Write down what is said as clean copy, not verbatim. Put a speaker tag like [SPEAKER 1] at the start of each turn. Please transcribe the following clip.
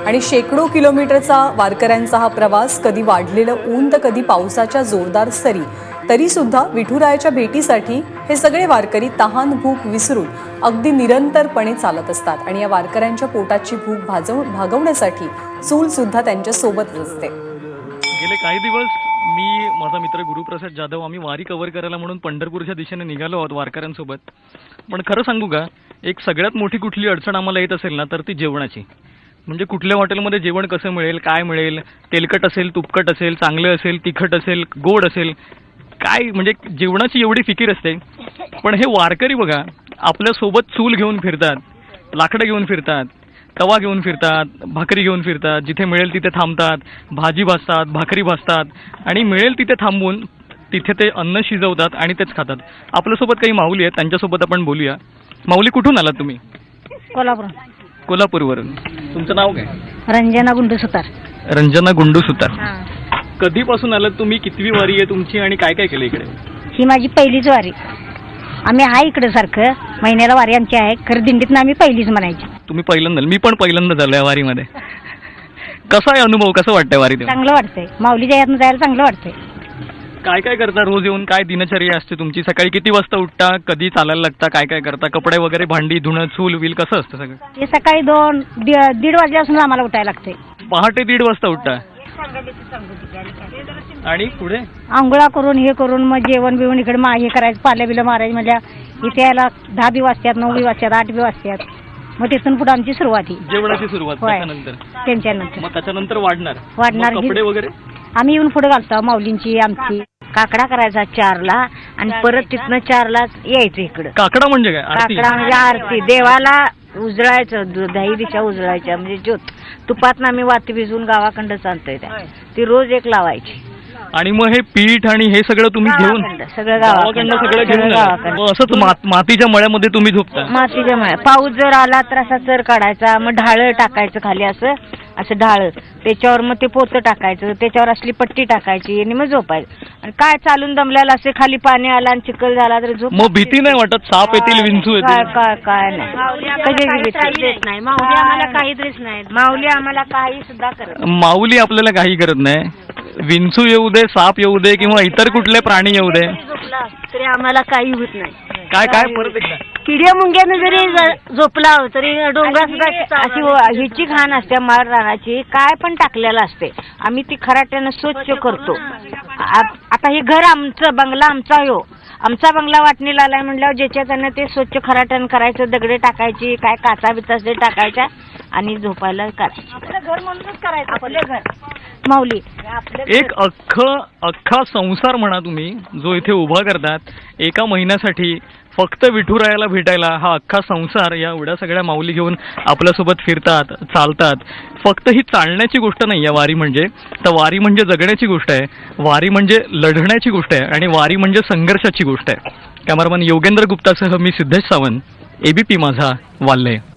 [SPEAKER 1] आणि शेकडो किलोमीटरचा वारकऱ्यांचा हा प्रवास, कधी वाढलेलं ऊन तर कधी पावसाच्या जोरदार सरी, तरी सुद्धा विठुरायाच्या भेटीसाठी हे सगळे वारकरी तहान भूक विसरून अगदी निरंतरपणे चालत असतात आणि या वारकऱ्यांच्या पोटाची भूक भागवण्यासाठी चूल सुद्धा त्यांच्या सोबतच असते.
[SPEAKER 2] गेले काही दिवस मी, माझा मित्र गुरुप्रसाद जाधव, आम्ही वारी कव्हर करायला म्हणून पंढरपूरच्या दिशेने निघालो आहोत वारकऱ्यांसोबत. पण खरं सांगू का, एक सगळ्यात मोठी कुठली अडचण आम्हाला येत असेल ना, तर ती जेवणाची. म्हणजे कुठल्या हॉटेलमध्ये जेवण कसं मिळेल, काय मिळेल, तेलकट असेल, तुपकट असेल, चांगलं असेल, तिखट असेल, गोड असेल, काय म्हणजे जेवणाची एवढी फिकीर असते. पण हे वारकरी बघा, आपल्यासोबत चूल घेऊन फिरतात, लाकडं घेऊन फिरतात, तवा घेऊन फिरतात, भाकरी घेऊन फिरतात, जिथे मिळेल तिथे थांबतात, भाजी भाजतात, भाकरी भाजतात आणि मिळेल तिथे थांबून तिथे ते अन्न शिजवतात आणि तेच खातात. आपल्यासोबत काही माऊली आहेत, त्यांच्यासोबत आपण बोलूया. माऊली, कुठून आलात तुम्ही?
[SPEAKER 3] कोल्हापूर.
[SPEAKER 2] कोल्हापूरवरून. तुमचं नाव काय?
[SPEAKER 3] रंजना गुंडू सुतार.
[SPEAKER 2] रंजना गुंडू सुतार. कधीपासून आलात तुम्ही? कितवी वारी आहे तुमची आणि काय काय केलं इकडे?
[SPEAKER 3] ही माझी पहिलीच वारी. आम्ही आहे इकडे सारखं, महिन्याला वारी आमची आहे, खरं दिंडीतनं आम्ही पहिलीच म्हणायची.
[SPEAKER 2] तुम्ही पहिल्यांदा? मी पण पहिल्यांदा झालोय वारीमध्ये. कसा आहे अनुभव, कसं वाटतंय वारीत?
[SPEAKER 3] चांगलं वाटतंय, माऊलीच्या यातनं जायला चांगलं वाटतंय.
[SPEAKER 2] काय काय करता रोज येऊन? काय दिनचर्या असते तुमची? सकाळी किती वाजता उठता, कधी चालायला लागता, काय काय करता? कपडे वगैरे, भांडी धुणं, चूल विल कसं असतं सगळं?
[SPEAKER 3] ते सकाळी 2-1:30 वाजल्यापासून आम्हाला उठायला लागतंय.
[SPEAKER 2] पहाटे 1:30 वाजता उठता आणि पुढे
[SPEAKER 3] आंघोळा करून हे करून मग जेवण बिवण इकडे हे करायचं, पाल्या बिलं मारायचं. म्हणजे इथे यायला 10 बी वाजतात, 9 बी वाजतात, 8 बी वाजतात. मग तिथून पुढे आमची सुरुवात ही
[SPEAKER 2] जेवणाची सुरुवात. त्याच्यानंतर
[SPEAKER 3] त्यांच्यानंतर
[SPEAKER 2] मग त्याच्यानंतर वाढणार कपडे वगैरे
[SPEAKER 3] आम्ही येऊन पुढे घालतो. माऊलींची आमची काकडा करायचा 4ला आणि परत तिथनं 4ला यायचं इकडं.
[SPEAKER 2] काकडा म्हणजे काय?
[SPEAKER 3] काकडा म्हणजे आरती, देवाला उजळायचं, 10 दिशा उजळायच्या. म्हणजे ज्योत तुपातनं आम्ही वाती भिजवून गावाकडं आणतोय, ती रोज एक लावायची.
[SPEAKER 2] आणि मग हे पीठ आणि हे सगळं तुम्ही घेऊन
[SPEAKER 3] सगळं गावाकडं
[SPEAKER 2] सगळं घेऊन असंच मातीच्या मळ्यामध्ये तुम्ही झोपता?
[SPEAKER 3] मातीच्या मळ्यात. पाऊस जर आला तर असा चर काढायचा, मग ढाळ टाकायचं खाली, असं ढाळ, त्याच्यावर मग ते पोतं टाकायचं, त्याच्यावर असली पट्टी टाकायची आणि मग झोपायचं. आणि काय चालून दमल्याला असे खाली पाणी आला आणि चिखल झाला तर झोप.
[SPEAKER 2] मग भीती नाही वाटत? साप येतील, विंचू येतील?
[SPEAKER 3] काय नाही, कधी देत नाही माऊली आम्हाला, काही देत नाही माऊली आम्हाला, काही सुद्धा करत.
[SPEAKER 2] माऊली आपल्याला काही करत नाही. विंचू येऊ दे, साप येऊ दे किंवा इतर कुठले प्राणी येऊ दे,
[SPEAKER 3] तरी आम्हाला काही होत नाही.
[SPEAKER 2] काय काय परत एकदा
[SPEAKER 3] किड्या मुंग्यानं जरी झोपला तरी डोंगरात सुद्धा अशी ह्याची घाण असते, माळ रानाची, काय पण टाकलेलं असते. आम्ही ती खराट्यानं स्वच्छ करतो. आता हे घर आमचं, बंगला आमचा, आमचा बंगला वाटणीला आलाय म्हणल्यावर ज्याच्या त्यानं ते स्वच्छ खराट्यानं करायचं, दगडे टाकायची, काय काचा बिचा ते टाकायच्या आणि झोपायला करायचं. घर म्हणूनच करायचं आपले घर. माऊली
[SPEAKER 2] एक अख्खा संसार म्हणा तुम्ही, जो इथे उभा करतात एका महिन्यासाठी फक्त विठुरायाला भेटायला. हा अख्खा संसार या एवढ्या सगळ्या माऊली घेऊन आपल्यासोबत फिरतात, चालतात. फक्त ही चालण्याची गोष्ट नाही आहे वारी म्हणजे, तर वारी म्हणजे जगण्याची गोष्ट आहे, वारी म्हणजे लढण्याची गोष्ट आहे आणि वारी म्हणजे संघर्षाची गोष्ट आहे. कॅमेरामन योगेंद्र गुप्तासह मी सिद्धेश सावंत, ABP माझा, वाल्हे.